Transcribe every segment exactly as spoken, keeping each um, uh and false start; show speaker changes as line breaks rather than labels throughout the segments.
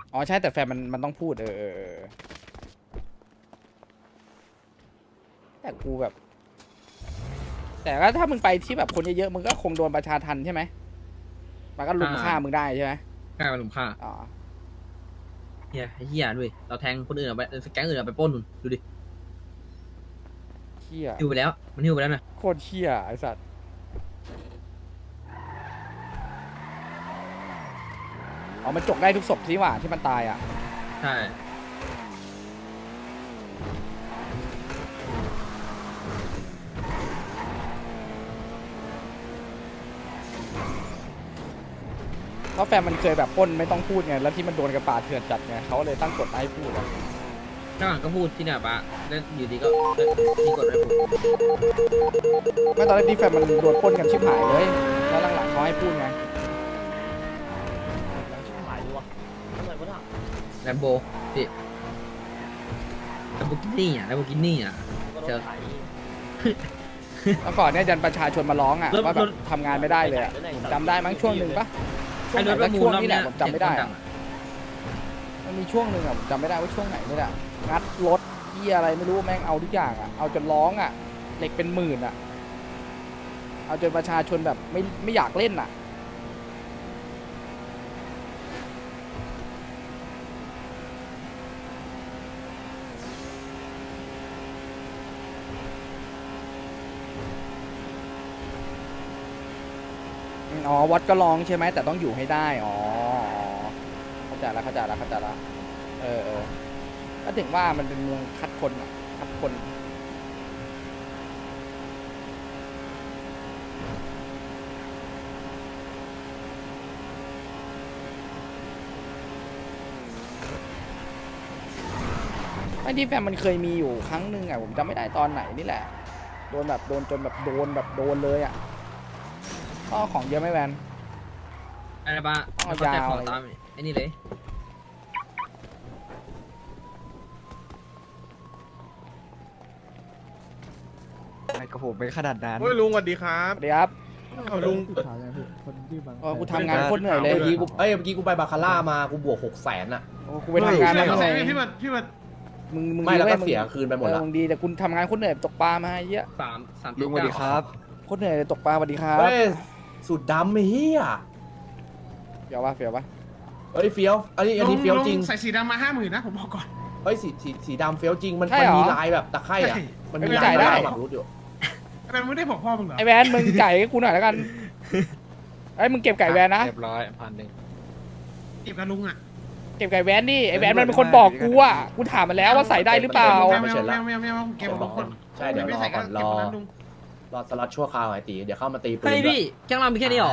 อ๋อใช่แต่แฟนมันมันต้องพูดเออเออเออแต่กูแบบ แต่ว่าถ้ามึงไปที่แบบคนเยอะๆมึงก็คงโดนประชาทันใช่ไหมมันก็ลุมฆ่ามึงได้ใช่ไหม
กล้ามาลุมฆ่า
อ๋อ
เฮียเฮียด้วยเราแทงคนอื่นออกไปแก๊งอื่นออกไปปล้นนู่นดูดิ
เชี่ย
หิวไปแล้วมันหิวไปแล้วนะ
โคตรเชี่ยไอสัตว์อ๋อมันจกได้ทุกศพที่ว่าที่มันตายอ่ะ
ใช่
เพราะแฟนมันเคยแบบปล้นไม่ต้องพูดไงแล้วที่มันโดนกระปาดเถื่อนจัดไงเขาเลยตั้งกฎให้พูดอะ
ข้างหลังก็พูดที่เนี่ยปะแล้วอยู่ดีก็มีกดอะไรพูด
ไม่ตอนแรกที่แฟนมันโดนปล้นกันชิบหายเลยแล้วหลังๆเขาให้พูดไง
หายดีวะทำไมวะน่ะ
แลมโบพี่แลมโบกินี่อ่ะแลมโบกินี่อ่ะ
ก็โด
เจอ
นไถ
แล้วก่อนเนี่ยยันประชาชนมาร้องอ่ะ
รถ
ว่าแบ
ร
บ
ถ
ทำงานไม่ได้เลยอะผมจำได้มั้งช่วงหนึ่งปะช่ว
ไอ้
งไห
ร
น
ถป
ก็
ระมู
ช่
ล
วง
รอบ
นี้แห
เนี้
ละ
ย
ผมจำไม่ได้
เห็นคนดั
อะ
งอะ
มันมีช่วงหนึ่งอะผมจำไม่ได้ว่าช่วงไหนนี่แหละงัดรถที่อะไรไม่รู้แม่งเอาทุกอย่างอ่ะเอาจนร้องอ่ะเหล็กเป็นหมื่นอ่ะเอาจนประชาชนแบบไม่ไม่อยากเล่นอ่ะอืมอ๋อวัดก็ร้องใช่ไหมแต่ต้องอยู่ให้ได้อ๋ออ๋อเข้าใจแล้วเข้าใจแล้วเข้าใจแล้วเออเออก็ถึงว่ามันเป็นเมืองคัดคนอ่ะคัดคน ไอ้ที่แฟนมันเคยมีอยู่ครั้งหนึ่งอ่ะผมจำไม่ได้ตอนไหนนี่แหละโดนแบบโดนจนแบบโดนแบบโดนเลยอ่ะก็ของเยอะไหม่แวน
อะไรปะ
เอา
แล้วก็แจก
ยาว
ของ
เลย
ตามไอ้นี่เลย
ไอ้กระผมไม่ขนาดนั้น
โอ้ยลุงสวัสดีครับ
สวัสดีครับ
เอาลุง
เออกูทำงานโคตรเหนื่อยเลย
เมื่อกี้กูเอ้ยเมื่อกี้กูไปบาคาร่ามากูบวกหกแสนอะ
โอ้กูไปทำงานมาเหนื่อย
พี่บัดพี่บัด
มึงมึง
ไม่แล้วก็
ดีว้
เสียคืนไปหมด
เออ
ละ
มึงดีแต่คุณทำงานโคตรเหนื่อยตกปลามาเยอะ
สามสาม
ลุงสวัสดีครับ
โคตรเหนื่อยเลยตกปลาสวัสดีครับ
เฮ้ยสุดดำไอ้เหี้ย
เดี๋ยวว่าเฟียวปะ
เฮ้ยเฟี้ยวอันนี้อันนี้เฟี้ยวจริง
ใส่สีดำมาห้าหมื่นนะผมบอกก่อน
เฮ้ยสีสีสีดำเฟี้ยวจริงมันมันมีลายแบบตะไคร่อะมันมีลายลายแบบรู้อยู่
เป็นไม่ได้บอกพ่อมึงเหรอ
ไอแวนมึงจ่ายให้กูหน่อยแล้วกันไอ้ยมึงเก็บไก่แวนนะ
เรียบร้อยพันหนึ่ง
เก็บกับลุงอ่ะ
เก็บไก่แวนดิไอแวนมันเป็นคนบอกกูอ่ะกูถามมันแล้วว่าใส่ได้หรือเปล่า
แมวแมวแมวแมวแมวเก็บกับคน
ใช่เดี๋ยวรอก่อนรอรอสล็อตชั่วคราวไอ้ตีเดี๋ยวเข้ามาตีปืน
เฮ้ยพี่แก๊งเรามีแค่นี้หรอ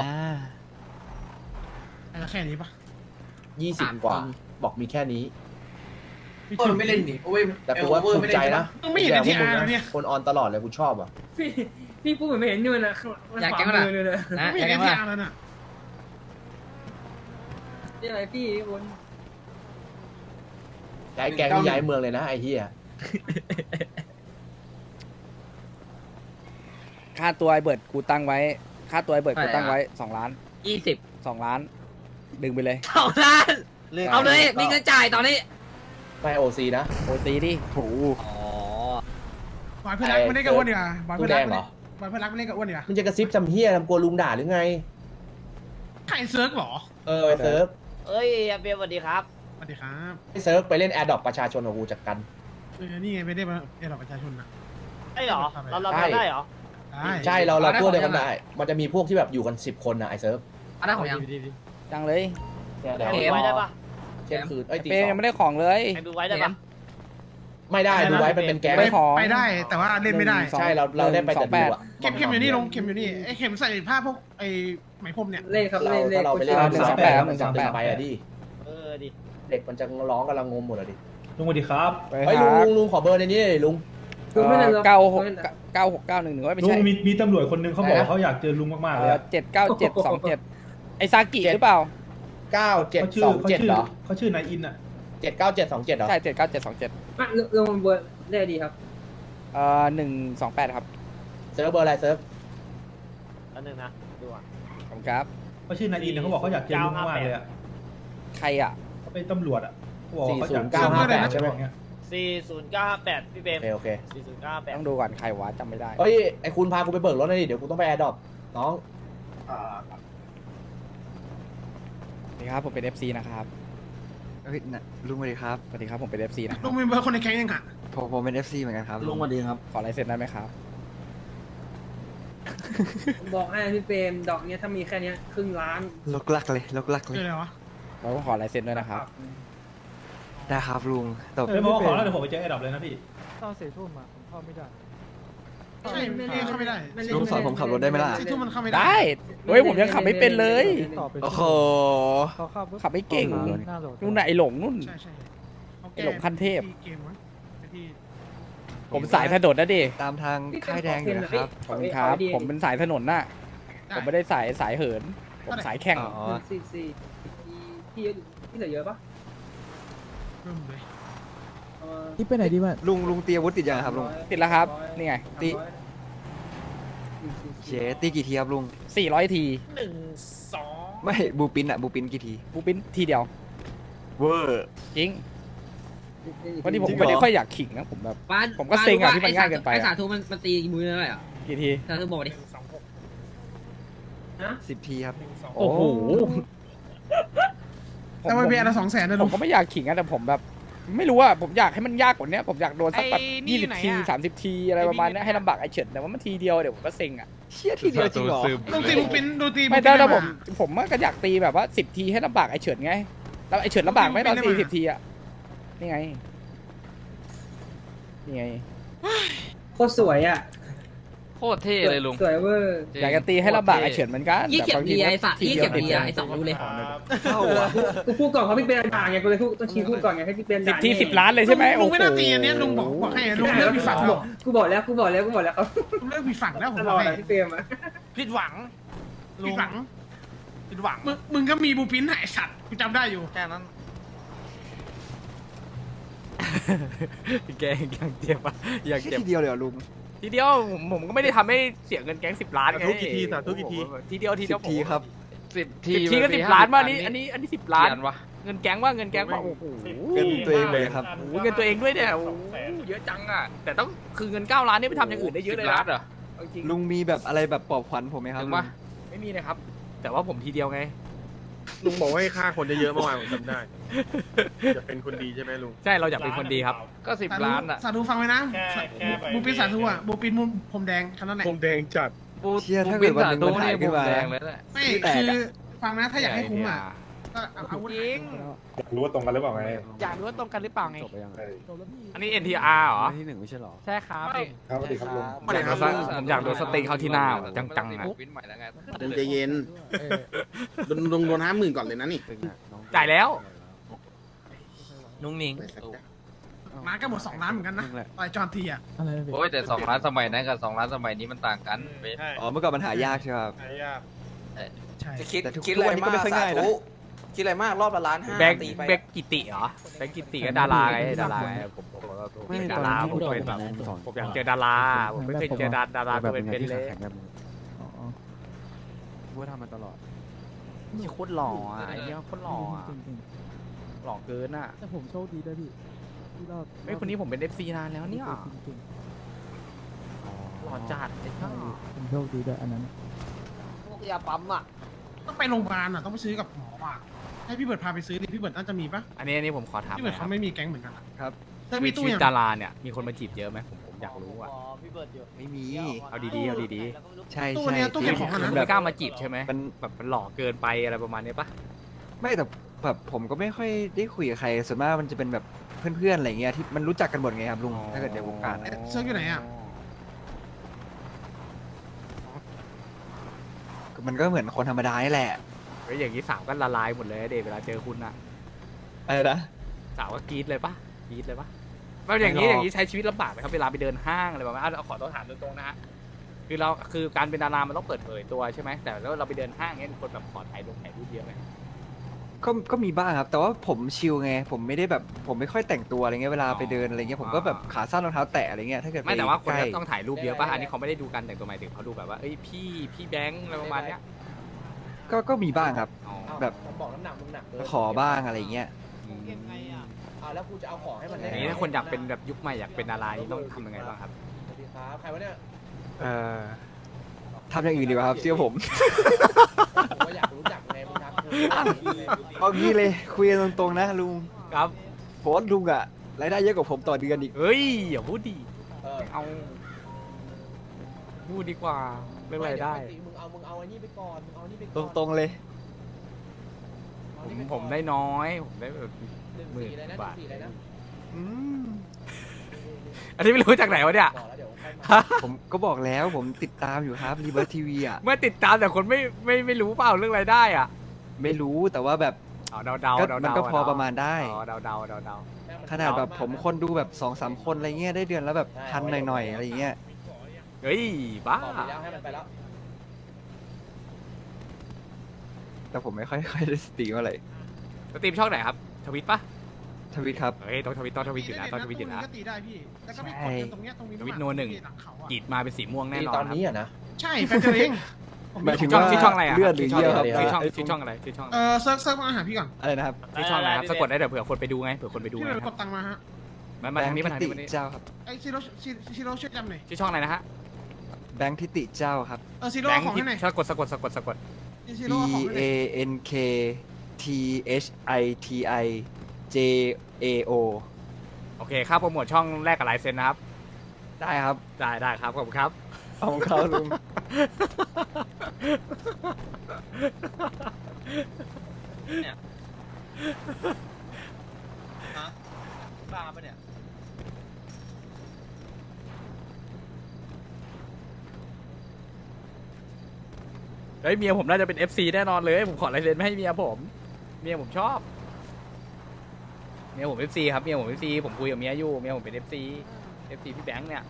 แค่นี้ปะ
ยี่สิบกว่าบอกมีแค่นี้
พี่ชิวไม่เล่นดิ
แต่กูว่าภูมิใจนะ
มึงไม่เห็นในทีอาร์เนี่ย
คนออนตลอดเลยกูชอบอ่ะ
พี่พี่พูดเหมือนไม่เห็นนี่มันนะ
อยากแก๊งอะไรนะ
ไม่
อ
เห็
ยาน ก
ใน
แก๊ง
ที
อะไร
อาร์แล้วน่ะ
นี่อะไรพี่บน
ย้ายแกงนี่ย้ายเมืองเลยนะไอ้เหี้ย
ค่าตัวไอเบิร์ดกูตั้งไว้ ค่าตัวไอเบิร์ดกูตั้งไว้สองล้าน
ยี่สิบ
สองล้าน ดึงไปเลย
สองล้านเอาเลยมีเงินจ่ายตอนนี้
ไม่โอซีนะ
โอซีดิ
โอ้โห
อ๋อ
บอยเพื่อนรักไม่ได้กับอ้วนเดียวบอย
ตู้
เพื่อน
แด
รัก
งเหรอ
บอยเพื่อนรักไม่ได้กับอ้วนเดียว
มันจะกระซิบจำเฮียทำกลัวลุงด่าหรือไง
ใครเซิร์ฟหรอ
เออไอ้เซิร์ฟ
เอ้ยอาเบียสวัสดีครับ
สวัสดีครับ
ไอ้เซิร์ฟไปเล่นแอร์ดรอปประชาชนของกูจากกัน
เออนี่ไงไม่ได้มาเอราประชาชนนะ
ไอ้เหรอ เราเรา
ใช่
ทำได้เหรอ
ใช่เราเราพวกเดียวกันได้ มันจะมีพวกที่แบบอยู่กันสิบคนนะไอ้เซิร์ฟ
อันนั้นของยัง
จังเลย
เนี่ย
แข่
เดี๋ยว
งไว้ได้ปะ
เที่ยงคืนเอ้ยตี
เป
ส
ย์
อ
ยัง
ง
ไม่ได้ของเลย
แข่งดูไว้ได้ปะ
ไม่ได้ดูไว้มันเป็นแก๊ง
ไม่ขอ
ไปได้แต่ว่าเล่นไม่ได้
ใช่เราเราได้ไปแต่ดูอะ
เข็มเข็มอยู่นี่ลงเข็มอยู่นี่ไอ้เข็มใส่ผ้าพวกไอ้ไหมพรมเนี่ย
เล่นครับ
เรา
เล่นเล่
ถ้าน เราไปเล่น
หนึ่งสองแปดหนึ่งสองแปด
ไปอะดิ
เออดิ
เด็กมันจะร้องกันละงมหมดอะดิ
ลุงสวัสดีครับ
ไป
เฮ้ย
หา
ลุงลุงลุงขอเบอร์ในนี้เลยลุง
คือไม่ได้
เก้าหกเก้าหกเก้าหนึ่งหนึ่งไม่
ลุง
ใช่
มีมีตำรวจคนนึงเขาบอก
ไหน
ว่า
นะ
เขาอยากเจอลุงมากๆเลยอะ
เจ็ดเก้าเจ็ดสองเจ็ดไอซากิหรือเปล่า
เก้าเจ็ด
เขาชื่
ส
อ
อง
เขา
เจ็ด
ชื่อ
เหรอ
เขาชื่อนายอินอะ
เจ็ดเก้าเจ็ดสองเจ็ดเหรอ
ใช่เจ็ดเก้าเจ็ดสองเจ็ด
ลงบนได้ดีครับ
เอ่อหนึ่งสองแปดครับ
เซิร์ฟเบอร์อะไรเซิร์ฟ
อันนึงนะดูอ่ะ
ขอบคุณครับ
เขาชื่อนายอินนะเขาบอกเขาอยากเจอลุงมากๆเลยอะ
ใครอ่ะ
ไปตำรวจอ่ะเขาบอกว่าเขา
สี่ศู
จะ
นย์เก้าห้าแปดใช่ไหม
เงี้ย
สี่ศูนย์เก้าห้าแปดพี่เบ
โอ
ม
เคโอเค
สี่ศูนย์เก้าแปด
ต้องดูก่อนใครวะจำไม่ได้
เฮ้ยไอคุณพากูไปเบิกรถหน่อยดิเดี๋ยวกูต้องไปแอร์ดรอปน้อง
อ่า
นี่ครับผมเป็น เอฟ ซี นะครับ
เฮ้ยนะลุงสวัสดีครับ
สวัสดีครับผมเป็น เอฟ ซี นะค
ลุ
รับ
งมีเบอร์คนในแก๊งยังอ่ะ
ผมผมเป็น เอฟ ซี เหมือนกันครับ
ลุงสวัสดีครับ
ขอลายเซ็นได้ไหมครับ
บอกให้พี่เบมดอกเนี้ยถ้ามีแค่เนี้ยครึ่งล้าน
ลกลักเลยลกลักเล
คื
ย
ออะไรวะ
แล้วก็ขอลายเซ็นด้วยนะครับ
ได้ครับลุงแต่
เฮ้ยมาขอแล้วเดี๋ยวผมไปเจอไอ้ดับเลยนะพี่
ตอนสี่ทุ่มอะผมเข้าไม่ได้
ใช่ไม่ได้เข้าไม่ได้
ลุงสอนผมขับรถได้ไหมล่ะ
สี่ทุ่มมันเข้าไม่ได้
ได้เฮ้ยผมยังขับไม่เป็นเลย
ต่อไป
โอ้โห
เขาเข้าปุ๊
ขับไม่เก่ง
หน้าโหลด
นู่นน่ะไอหลงนู่น
ใช่ใช่เขา
ไอ้หลงขั้นเทพ
ที่เกมวะที่
ผมสายถนนนะดิ
ตามทางค่ายแดงอยู่นะครับ
ขอบคุณครับ ผมเป็นสายถนนน่ะ ผมไม่ได้สายสายเหิน ผมสายแข่ง
อ๋อ
หนึ่งสี่สี่พี่พี่เหลือเยอะปะ
เริ่มเลย
เอามา
ที่ไปไหนดีวะ
ลุงลุงเตรียมอาวุธติดยังครับลุง
ติดแล้วครับ นี่ไง
ติ เชตีกี่ทีครับลุง
สี่ร้อยที
หนึ่งสอง
ไม่บูปินอะบูปินกี่ที
บูปินทีเดียว
เวอร์
จริง วันนี้ผม
จริงเหรอ
ไม่ได้ค่อยอยากขิงนะผมแบบ
บ้าน
ผมก็เซ็งอะที่มันง่ายเกินไปอะ
ไอสาธุมันมันตีมือเท่าไหร่อ่ะ
กี่ที
สาธุบอกดิ
สิบทีครับ
โอ้โห
แต่ว่าเบียร์ละสองแสนนะ
ผ
ลุ
ม
ง
ก็ไม่อยากขิงอะแต่ผมแบบ ไม่รู้อะผมอยากให้มันยากกว่านี้ผมอยากโดนสักแบบยี่สิบทีสามสิบทีอะไรประมาณเนี้ยให้ลำบากไอเฉิดแต่ว่ามันทีเดียวเดี๋ยวผมก็เซ็งอะ
เชี่ยทีเดียวจริงเหรอ
ลุงตีบุกปินดูตี
ไม่
บุก
ถ้า
ปิน
ถ้าผม
มา
ผมก็อยากตีแบบว่าสิบทีให้ลำบากไอเฉิดไงแล้วไอเฉิดลำบากไหมตอน
ไม่
ตี
ได้
สิบทีอะนี่ไงนี่ไง
โคตรสวยอ่ะ
โคตรเท่เลยลุง
สวยเวอร์
อยากจะตีให้ลำบากไอเฉิดเหมือนกัน
ยี่เข็ม
แต่บาง
ดี
ที
ไอสัตว์
ที
ยี่
เดีย
เข็
ว
ม
ติด
ดี
เลย
ไอสองรู้เลย
เข้าอะ
กูพูดก่อนเขาพี่เป็นด่าไงกูเลยพูดต้องชี้พูดก่อนไงให้พี่เป็น
สิบ
ด่า
ทีสิบล้านเลยใช่ไหม
ลุ
โอ้
ง
โห
ไม่น่าตีอันเนี้ยลุงบอกบอกให้ลุงเลิกผิดฝั่งแล้ว
กูบอกแล้วกูบอกแล้วกูบอกแล้วเขา
ลุงเลิกผิดฝั่งแล้วผม
ต
บ
ล
อ
อก ด
ให้
อะพี่เปรมอะ
ผิดหวัง
ผิดหวังผิดหวังมึงมึงก็มีบูปินหายสัตว์กูจำได้อยู่
แค่นั้น
แกยังเจ็บอะยัง
เชี่ย
เจ็บ
ทีเดียวเลยเหรอลุง
ทีเดียวผมผมก็ไม่ได้ทำให้เสียเงินแก๊งสิบล้านไง
สาธุกี่ทีสาธุกี่ที
ทีเดียวที
สิ
เดียว
บทีครับ
สิบที
สิบทีก็สิบล้านว่านี้อันนี้อันนี้สิบล้าน
เขียนวะ
เงินแก๊งว่าเงินแก๊งว่าโอ้โห
เงินตัวเองเลยครับ
โอ้โหเงินตัวเองด้วยเนี่ยโอ้โหเยอะจังอ่ะแต่ต้องคือเงินเก้าล้านนี่ไปทำอย่างอื่นได้เยอะเลย
สิบ
นะ
ล้านเหรอ
เอาจริง
ลุงมีแบบอะไรแบบปลอบขวัญผมไหมครับ
ถึง
ลุ
ปะ
ง
ไม่มีนะครับ แต่ว่าผมทีเดียวไง
ลุงบอกว่าให้ฆ่าคนเยอะๆเมื่อวานผมจำได้ จะเป็นคนดีใช่ไหมลุง
ใช่เราอยากเป็นคนดีครับ
ก็สิบล้านอ่ะ
สาธุฟังไว้นะบูปินสาธุอ่ะบูปินมุมผมแดงแค่นั้นแหละ
คงแดงจัด
ปู
เชี่ยถ้าเกิดวันหนึ่ง
ปู
มันหาย
นี่
ขึ้นมา
แดงเลยแหละ
ไม่
ที่แตก
คือ
อะ
ฟังนะถ้าอยากให้คุ้มอ่ะก็เอาอาวุธ
จริง
อยากรู้ว่าตรงกันหรือเปล่าไง
อยากรู้ว่าตรงกันหรือเปล่าไง
จบไปยังไง
อันนี้ เอ็น ที อาร์ เหรอ
ที่หนึ่งไม่ใช่หรอ
ใช่ครับ
ครับสวัสดีครับลุง
ผมอยากโดนสผมอยากโดนสเต็กเข้าที่หน้าจังๆอะ
วินใหม่แล้วไง
ลุงใจเย็นลุงลุงโดนห้าหมื่นก่อนเลยนะนี่
จ่ายแล้ว
นุ่งนิ่ง
มาก็หมดสองล้านเหมือนกันนะต่อยจอนทีอ่ะ
อะไร
โอ้ยแต่สองล้านสมัยนั้นกับสองล้านสมัยนี้มันต่างกันเว้ย
อ๋อเมื่อก่อนมันหายากใช่ไหมครับ
ใช่
จะคิด
แต่ทุก
คิดอะไร
ทุกวันนี้ก็
มาก
ไม่ค่อยง่ายนะ
สธุคิดอะไรมากรอบละล้านห้า
แบงค์
ตีไป
แบงค์กิติเหรอแบงค์กิติก็ดาราไงดาราไงผมผมผมเป็นดาราผมเป็นแบบผมอยากเจอดาราผมไม่เคยเจอดาดาราตัวเป็นๆเลย
ว่าทำมาตลอด
นี่โคตรหล่ออ่ะไอ้เนี่ยโคตรหล่ออ่ะหล่อเกินอ่ะ
แต่ผมโชคดีด้วยพี่ที่รอบ
ไอ้ยคนนี้ผมเป็น เอฟ ซี นานแล้วเนี่ยหล่อจัดไอ้เจ้า
ผมโชคดีด้วยอันนั้น
พวกยาปั๊มอ่ะ
ต้องไปโรงพยาบาลอ่ะต้องไปซื้อกับหมออ่ะให้พี่เบิร์ดพาไปซื้อดิพี่เบิร์ดน่าจะมีปะ
อันนี้อันนี้ผมขอถาม
พี่
ห
เบิ
น่
ร์
อยครับ
ดเขาไม่มีแก๊งเหมือนกันอะ
ครับ
เธอ
มี
มี
ชี
ตู้
วิต
ยัง
ดาราเนี่ยมีคนมาจีบเยอะไหมผมผมอยากรู้อ่ะ
พี่เบิร์ดอยู่
ไม่มี
เอาดีๆเอาดี
ใช่
ตู้
ใช่
เนี้ยตู้เก็บของ
ๆ
อะ
ผม
นะ
ไม่กล้ามาจีบใช่ไหม
มัน
แบบมันหล่อเกินไปอะไรประมาณนี้ปะ
ไม่แต่แบบผมก็ไม่ค่อยได้คุยกับใครส่วนมากมันจะเป็นแบบเพื่อนๆอะไรเงี้ยที่มันรู้จักกันหมดไงครับลุงถ้าเกิดในวงการอะ
เซิร์ฟอยู่ไหนอ่ะ
มันก็เหมือนคนธรรมดานี่แหละ
เฮ้ยอย่างนี้สาวก็ละลายหมดเลยเดทเวลาเจอคุณอะ
อะไรนะ
สาวก็กรี๊ดเลยปะกรี๊ดเลยปะแล้วอย่างนี้
ไม่หรอก
อย่างนี้ใช้ชีวิตลำบากไหมครับเวลาไปเดินห้างอะไรประมาณนั้นเอาขอต้องถามตรงๆนะฮะคือเราคือการเป็นดารามันต้องเปิดเผยตัวใช่ไหมแต่แล้วเราไปเดินห้างเงี้ยคนแบบขอถ่ายลงถ่ายรูปเยอะไหม
ก็ก็มีบ้างครับ แต่ว่าผมชิลไง ผมไม่ได้แบบผมไม่ค่อยแต่งตัวอะไรเงี้ยเวลาไปเดินอะไรเงี้ยผมก็แบบขาสั้นรองเท้าแตะอะไรเงี้ยถ้าเกิด
ไม่แต่ว่าคน
ใกล้
ก็ต้องถ่ายรูปเยอะป่ะอันนี้เขาไม่ได้ดูกันแต่งตัวหมายถึงเขาดูแบบว่าเอ้ยพี่พี่แบงค์อะไรประมาณเนี้ย
ก็ก็มีบ้างครับ
อ๋อ
แบบ
ผมบอกน้ำหนักมึงหนักเกิน
ขอบ้างอะไรเงี้ย
อ่าแล้วกูจะเอาของให้มันได้
อย่างนี้ถ้าคนอยากเป็นแบบยุคใหม่อยากเป็นอะไรต้องทำยังไงบ้างครับ
สวัสดีครับใครวะเนี่ย
เอ่อทำอย่างอื่นดีกว่าครับเชื่อผม
ผมก็อยากรู้จักไงมึงทักกู
เอางี้เลยคุยกันตรงๆนะลุง
ครับ
ผมว่าลุงอะรายได้เยอะกว่าผมต่อเดือนอีก
เฮ้ยอย่าพูดดิ
เออ
เอาพูดดีกว่าเรื่องอะไรได้
ปกติมึงเอามึงเอาไอ้นี่ไปก่อนมึงเอาไอ้นี่ไป
ต
ก่อน
รงๆเลย
เอา
ผ
อัน
ม
นี้ป
ผม
ก่อน
ได้น้อยผมได้แบบ
หนึ่ง
หมื่น
สี่เลยนะห
บา
นึ่
ท
งสี่เลยนะ
อืม
อันนี้ไม่รู้จากไหนวะเนี่ย
บอกแล้วเดี๋ยวค่อยมา
ผมก็บอกแล้วผมติดตามอยู่ครับรีเบิร์ทีวีอะ
เมื่อติดตามแต่คนไม่ไม่ไม่รู้เปล่าเรื่องรายได้อ่ะ
ไม่รู้แต่ว่าแบบ
อ๋อเดาเดา
ก็
เดา
มัน
เดา
ก็พอประมาณได้
อ๋อเดาเดาเดาเดา
ขนาดแบบผมคนดูแบบสองสามคนอะไรเงี้ยได้เดือนแล้วแบบพันหน่อยๆอะไรเงี้ย
เฮ้ยบ้า
บอกไปแล้วให้มันไปแล้ว
แต่ผมไม่ค่อยค่อยได้สตรีมอะไร
สตรีมช่องไหนครับทวิตปะ
ทวิตครับ
เฮ้ยต้องทวิตต้องทวิตอยู่นะต้องทวิตอยู่นะ
ก็ตีได้พี่ แล้วก็ไปกดกันตรงเนี้ยตรงนี้
ทวิตโนหนึ่ง
หลังเขาอะ
กรีดมาเป็นสีม่วงแน่
ตี
นอน
ตอนนี้
ครับ
อ่ะนะ
ใช่แฟนเจอเอง
หมายถึง
ช่อง
ว่า
ชื่อช่องอะไรอะ
เลือดหรือเยี่ยวครับ
ชื่อช่อง
ไอ้
ชื่อช่องอะไรชื่อช่องอะไร
เออเซิร์ฟเซิร์ฟมาหาพี่ก่อน
อะไรนะครับ
ชื่อช่องอะไรครับสะกดได้เดี๋ยวเผื่อคนไปดูไงเผื่อคนไปดู
พี่
ไง
ไป
ค
ก
รับ
ดตังค์มาฮะ
มามาทางนี้มาทางนี้
แบ
มา
ค์
ทาง
ทิ
นี้
ติเจ้าครับ
ไอซีโร่ซีโร่ช่วยจำหน่อย
ชื่อช่องอะไรนะฮะ
แบงค์ทิติเจ้าครับ
เออซีโร่
แบงค์
ของ
ที่
ให้หน่อย
สะกดสะกดสะกดสะกด
ซี
B
โร่ของให้หน่
A
อย
N K T H I T I J A O
โอเคค่าโปรโมทช่องแรกกับลายเซ็นนะครับ
ได้ครับ
ได้ได้ครับขอบคุณครับ
เอาของเขาลุง
บ้าปะเนี่ย
เฮ้ยเมียผมน่าจะเป็น เอฟ ซี แน่นอนเลยผมขอลายเซ็นไม่ให้เมียผมเมียผมชอบเมียผม เอฟ ซี ครับเมียผม เอฟ ซี ผมคุยกับเมียอยู่เมียผมเป็น เอฟ ซี เอฟ ซี พี่แบงค์เนี่ย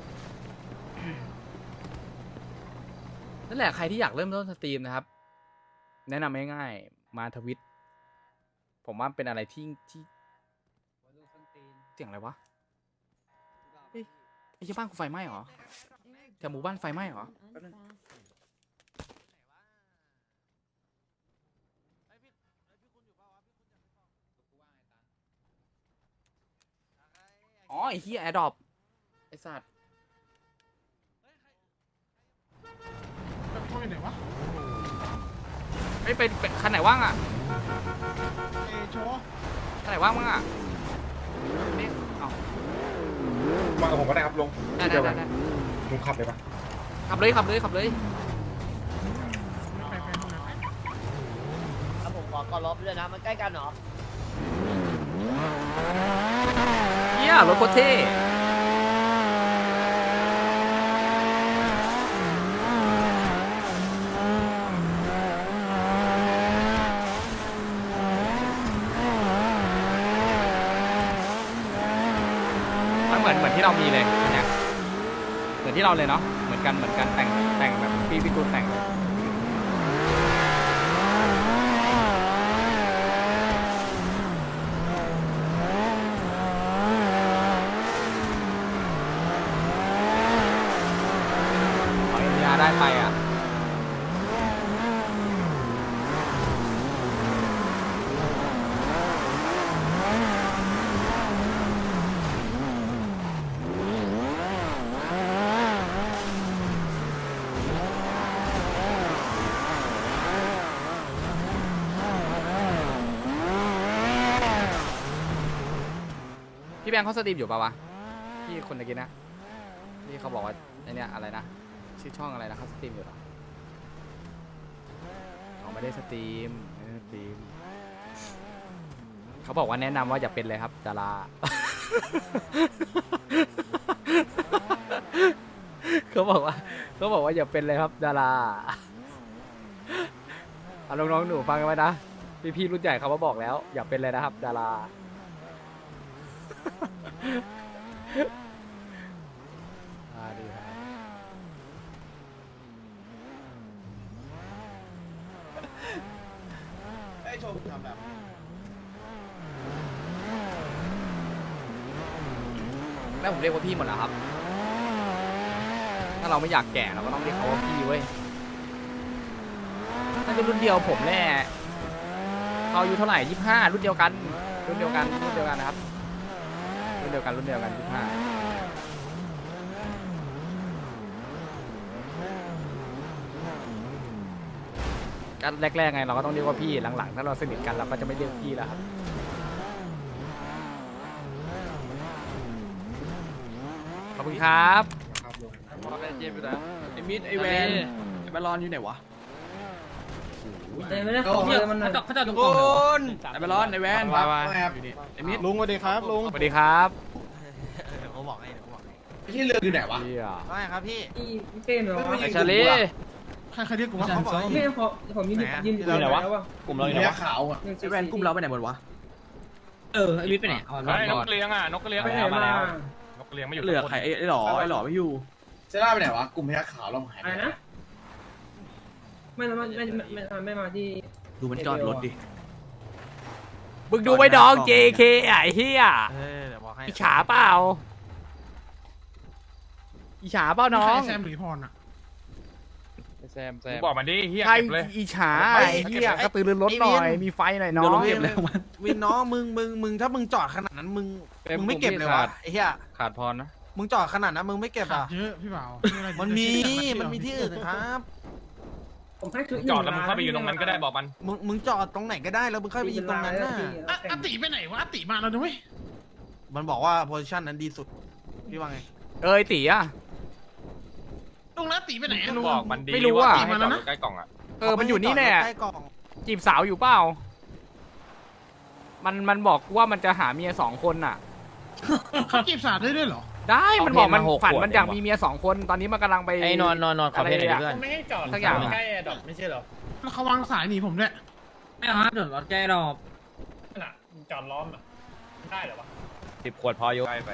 นั่นแหละใครที่อยากเริ่มต้นสตรีมนะครับ แนะนำง่ายๆมาทวิตผมว่าเป็นอะไรที่ที่เสียงอะไรวะเฮ้ยไอ้เหี้ยบ้านกูไฟไหม้เหรอแถวหมู่บ้านไฟไหม้เหรอแป๊บนึง อ๋อไอ้เหี้ยแอร์ดรอปไอ้สัตว์
แบบโทรอยู่ไหนวะ
ไม่เป็นเป็นคันไหนว่างอ่ะ
เอโชว์
คันไหนว่างมั้งอ่ะนี่เอ้า
มากับผมก็ได้ครับลง
ได้ได้ได้ได้
ลุงขับเลยปะ
ขับเลยขับเลยขับเลย
ไปไปห้องน้ำ
ครับผมขอกอลบด้วยนะ มันใกล้กันเหรอ
เหี้ยรถโคตรเท่มันเหมือนเหมือนที่เรามีเลยเนี่ยเหมือนที่เราเลยเนาะเหมือนกันเหมือนกันแต่งแต่งแบบพี่พี่ตูนแต่งเลยขอเอ็นยาได้ไปอ่ะพี่แบงค์เขาสตรีมอยู่ปะวะพี่คนตะกี้นะที่เขาบอกว่าไอเนี้ยอะไรนะชื่อช่องอะไรนะเขาสตรีมอยู่เหรอเขาไม่ได้สตรีมไม่ได้สตรีมเขาบอกว่าแนะนำว่าอย่าเป็นเลยครับดารา เขาบอกว่าเขาบอกว่าอย่าเป็นเลยครับดาราเอาน้องๆหนูฟังกันไว้นะพี่ๆรุ่นใหญ่เขามาบอกแล้วอย่าเป็นเลยนะครับดาราอ่าดีครับ
ไอ้โชว์ทำแบบ
แม่ผมเรียกว่าพี่หมดแล้วครับ ถ้าเราไม่อยากแก่เราก็ต้องเรียกเขาว่าพี่เว้ยน่าจะรุ่นเดียวผมแน่เขาอายุเท่าไหร่ยี่สิบห้ารุ่นเดียวกันรุ่นเดียวกันรุ่นเดียวกันนะครับรุ่นเดียวกันรุ่นเดียวกันยี่สิบห้าก็แรกๆไงเราก็ต้องเรียกว่าพี่หลังๆถ้าเราสนิทกันเราก็จะไม่เรียกพี่แล้วครับขอบคุณครับ
ไอ้มิดไอ้แวนไอ้บอลลอนอยู่ไหนวะไม่ได้ขอเลยมันเขาจอดเขาจอดตรงกลางไอ้บอลลอนไอ้แวนอยู่นี่ไอ้มิด
ลุงสวัสดีครับลุง
สวัสดีครับ
ผมบอกให้ผมบอกให้
ที่เรืออยู่ไหนวะ
เหี้ย
ไม่ครับพี่
พี่เป้มเหรอ
ไอ้ชาลี
ใครใครเรียกกูว่าเขาบอกให้
ไม่พอผมยืนยืนอยู่ไหนวะ
กลุ่มเราอยู่ไหนวะขาวอ่ะ
ไอ้แวนกลุ่มเราไปไหนหมดวะเออไอ้มิดไปไหน
ไอ้นกกระเลียงอ่ะนกกระเลียง
ไปไหนมา
นกกระเลียงไม่อยู่
เหลือใครไอ้หล่อไอ้หล่อไม่อยู่
เซล่าไปไหนวะกลุ่มพยัคฆ์ขาวเราหายไป
อะไร
ไหน
นะไม่ไม่ไม่ไม่ไม่มาที่
ดูมันจอดรถดิ
มึงดูไว้ดอง เจ เค ไอ้เหี้ย
เออเดี๋ยวบอกให้
อิจฉาเปล่าอิจฉาเปล่าน้อง
แซมหรือพรอ่ะ
แซมแซม
บอกมันดิเฮีย
ใคร
เก็บเลย
อิจฉาไอ้เหี้ยกระตือรือร้นหน่อยมีไฟหน่อยน้อง
วินน้องมึงมึงมึงถ้ามึงจอดขนาดนั้นมึงมึงไม่เก็บเลยวะไอ้เหี้ย
ขาดพรนะ
มึงจอดขนาดนั้นมึงไม่เก็บ
ขา
อ่ะ
ดเยอะพี่บ่าว
มันมีมันมีที่อื่นนะครับ
ผมให้ชุด
จอดแล้วมึงเข้าไปอยู่ตรงนั้นก็ได้บอกมัน
มึงมึงจอดตรงไหนก็ได้แล้วมึงเข้าไปยิงตรงนั้นน่ะ
อ่ะอติไปไหนวะอติมาแล้วด้วย
มันบอกว่าโพซิชันนั้นดีสุดพี่ว่าไง
เอ้ยตีอ่ะ
ลุงแล้วอติไปไหนลุง
บอกมันดี
ไม่รู้อะ
ติมาแล้วนะ
ใกล้กล่องอ่ะ
เออมันอยู่นี่แน่
ใกล้กล่อง
จีบสาวอยู่เปล่ามันมันบอกว่ามันจะหาเมียสองคนน่ะ
เขาจีบสาวได้ด้วยเหรอ
ได้มันบอกมันฝันมันอยากมีเมียสองคนตอนนี้มันกำลังไป
ไอ้นอนนอนนอนขอเพลงหน่อยดิเพื่อน
ไม่ให้จอด
สักอย่าง
ใกล้แอร์ดรอปไม่ใช่เหรอ
แล้วเขาวางสายหนีผมด้วย
ไม่เอาฮะเดี๋ยวรถแก้ดอก
น่ะจอดล้อมอ่ะได้เหรอวะ
สิบขวดพออยู่ใกล้ไป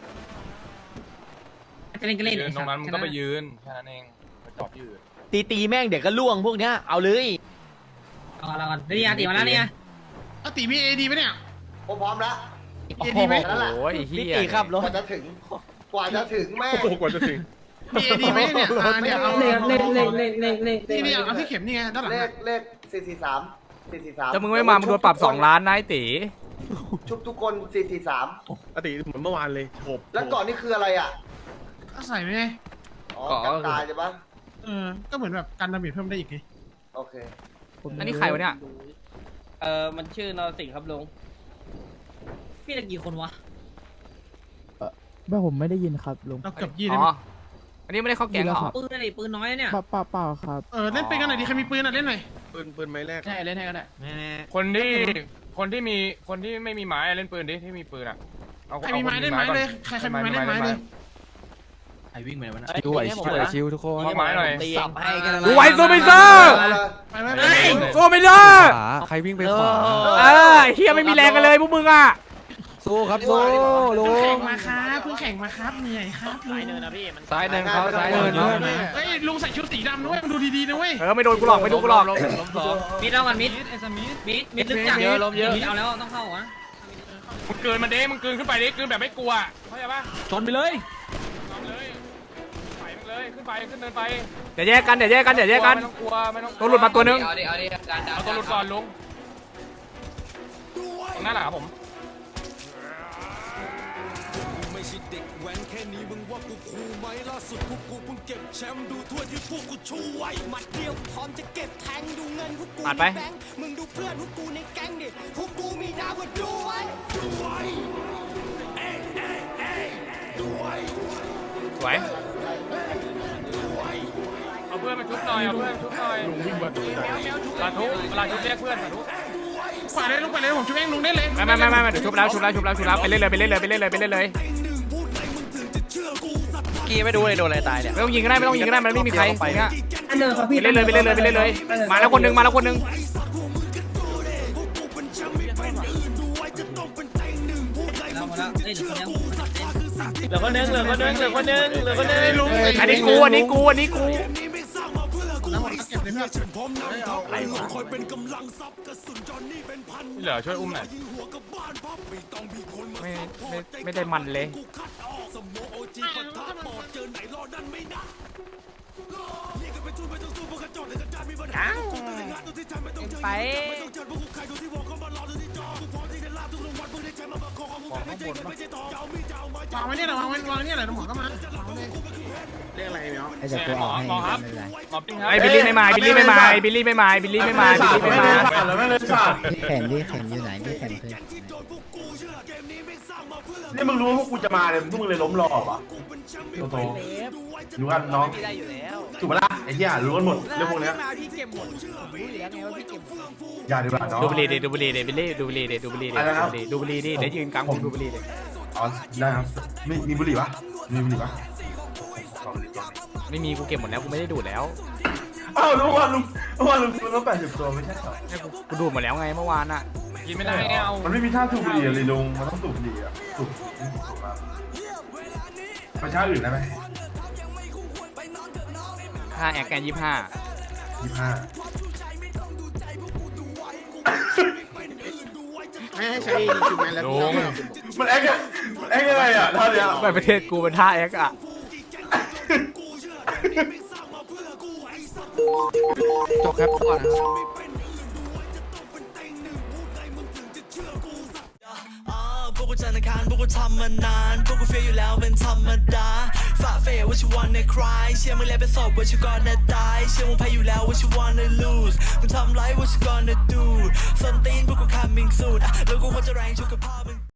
จะเล่นก็เล่น
ยืนตรงนั้นมึงก็ไปยืนแค่นั้นเองไปจอบยืน
ตีตีแม่งเดี๋ยวก็ล่วงพวกเนี้ยเอาเลย
เอาละก่อนนี่อาติมาแล้วเนี่ย
อติมีเอดีปะเนี่ย
ผมพร้อมแล้ว
โอ้
ดี
โห
ไหม
โอ้ยเฮี
พี่
ย
ตีครับรถ
กว่าจะถึง กว่าจะถึงแม่
โอ้โหกว่าจะถึง
มีเอดีไหมเนี่ยอ่าเนี่ยเอา
เลขเลขเลขเลขเลขเลข
นี่นี่เอาที่เข็มนี่ไงด้านหลัง
เลขเลขสี่สี่สามสี่สี่สาม
ถ้ามึงไม่มามึงโดนปรับสองล้านนะไอ้ตี
ชุบทุกคนสี่สี่สาม
อติเหมือนเมื่อวานเลยโหบ
แล้วก่อนนี่คืออะไรอ่ะ
ก็ใส่ไปไง
อ๋อกันตายใช่ปะ
เออก็เหมือนแบบการดาเมจเพิ่มได้อีกไง
โอเค
อันนี้ใครวะเนี่ย
เออมันชื่อนรสิงห์ครับลุง
พี่ตะกี่คนวะ
ไม่ผมไม่ได้ยินครับลุง
เราเกือบยี่
อ๋
ได้ไหม
ออันนี้ไม่ได้เข้าแก๊งเหรอ
ปืนอะไรปืนน้อยเนี่ย
เปล่าเปล่าเปล่าครับ
เออเล่นปืนกันหน่อยดิใครมีปืนอ่ะเล่นหน่อย
ปืนปืนไม้แรก
ใช่เล่นให้ก็ได้
แน่
คนที่คนที่มีคนที่ไม่มีไม้เล่นปืนดิที่มีปืนอ่ะเอา
ใครมีไม้เล่นไม้เลยใครใครมีไม้เล่นไม้เลย
ไอวิ่งไปไหนวะนะ
ชิวชิวชิวทุกคน
เอาไม้หน่อย
สับให้กัน
กูไว้โซมิเซอร์
ไปไปไป
โซมิเซอร์
ใครวิ่งไปขวา
เออเฮียไม่มีแรงกันเลยพวกมึงอ่ะ
สู้ครับสู้ลุ
เพิ่ง
ง
แข่งมาครับเพิ่งแข่งมาครับเหนื่อยครับลุง
ซ้ายหนึ่งเขาซ้ายห
เดิ
นึ่
น
ง
เดิน
เฮ้ยลุงใส่ชุดสีดำด้วยมึงดูดีๆนะเว้ย
เออไม่โดนกูหลอกไม่โดนกูหลอก
มิดเอากันมิดมิดมิดลึกจัดมิดเอาแล้วต้องเข้าอ่ะ
มึงเกินมาเด้มึงเกินขึ้นไปดิเกินแบบไม่กลัวเข้าใจปะ
ชนไปเลย
ทำเลยไปมึงเลยขึ้นไปขึ้นเดินไป
เดี๋ยวแยกกันเดี๋ยวแยกกันเดี๋ยวแยกกัน
ไม่ต้องกลัวไม่ต้อง
ตัวหลุดมาตัวนึง
เอาดิเอาดิการ
เอาตัวหลุดก่อนลุงตรงนั้นแหละครับผม
ผ่านไปสวย
เอาเพื่อนมาชุบหน่อยเอาเพื่อนชุบหน่อยลาทุลาทุเรียกเพื่อนลาทุขวาเลยลุงไปเลยผมชุบเองลุงได้เลย
ไม่ไม่ไม่ไม่เดี๋ยวชุบแล้วชุบแล้วชุบแล้วชุบแล้วไปเล่นเลยไปเล่นเลยไปเล่นเลยไปเล่นเลย
กี้ไม่ดูเลยโดนอะไรตายเนี่ย
ไม่ต้องยิงก็ได้ไม่ต้องยิงก็ได้มันไม่มีใครไปเนี่ย
อันเดิมครับ
ไป
พี่
เล่นเลยไปเล่นเลยไปเล่นเลยมาแล้วคนนึงมาแล้วคนนึง
เหลือคนนึงเหลือคนนึงเหลือคนนึงเหลือคนนึง
ลุง
อันนี้กูอันนี้กูอันนี้กู
เหลือช่วยอุ้มหน่อย
ไม่ไม่ไม่ได้มันเลยไป
วางไว้เนี่ยหน่อยวางไว้วางเนี่ยหน่อยตำรวจก็มา
เรียกอะไรเนาะ
ไอ้เดี๋ยวตัวออกให้
หมอครับ
ไม่เป็นไร
หมอปิ้งครับ
ไอ้บิลลี่ไม่มาบิลลี่ไม่มาบิลลี่ไม่มาบิลลี่ไม่มาบิลลี่ไม่มา
แล้วไม่เลยฉาก
พี่แขนพี่แขนอยู่ไหนพี่แขนเคย
นี่มึงรู้ว่าพวกกูจะมาเลยพวกมึงเลยล้มรอบอ่ะโตโตรู้กันน้องถูกปะล่ะไอ้เหี้ยรู้กันหมดเรื่องพวกเนี้ยอย่าดีกว่าน้อง
ดูบุหรี่ดิดูบุหรี่ดิบิลลี่ดูบุหรี่ดิดูบุหรี่ดิ
อะไรนะครับ
ดูบุหรี่ดิเดี๋ยวยืนกลางวงดูบุหรี่ดิ
อ๋อได้ครับมีมีบุหรี่ปะมีบุหรี่ปะ
ไม่มีกูเก็บหมดแล้วกูไม่ได้ดูดแล้ว
อ้าวลุงว่าลุงว่าลุงคุณต้องแปดสิบตัวไม่ใช่เหรอ
กูดูดหมดแล้วไงเมื่อวานอ่ะ
กินไม่ได้ไงเอา
มันไม่มีท่าสูบบุหรี่เลยลุงมันต้องสูบบุหรี่อ่ะสูบสูบมาประชาอื่นได้ไหม
ห้าแอคแกนยี่ห้า
ยี่ห้า
ให้ให้ใช้จุดแมนแล้ว
ลุง
มันแอคอะมันแอคยังไงอ่ะท่าเนี้ย
ไปประเทศกูเป็นท่าแอคอ่ะจบครับก่อนนะครับ
พวกกูจันทร์คารพวกกูทำมานานพวกกูเฟียอยู่แล้วเป็นธรรมดาฝ่าเฟยว่าชิวันในคลายเชื่อมึงแล้วเป็นศพว่าชิวก่อนนะตายเชื่อมึงแพ้อยู่แล้วว่าชิวันใน lose มึงทำไรว่าชิวก่อนนะ do ส้นตีนพวกกู coming soon แล้วกูควรจะแรงชุกกับพ่อมึง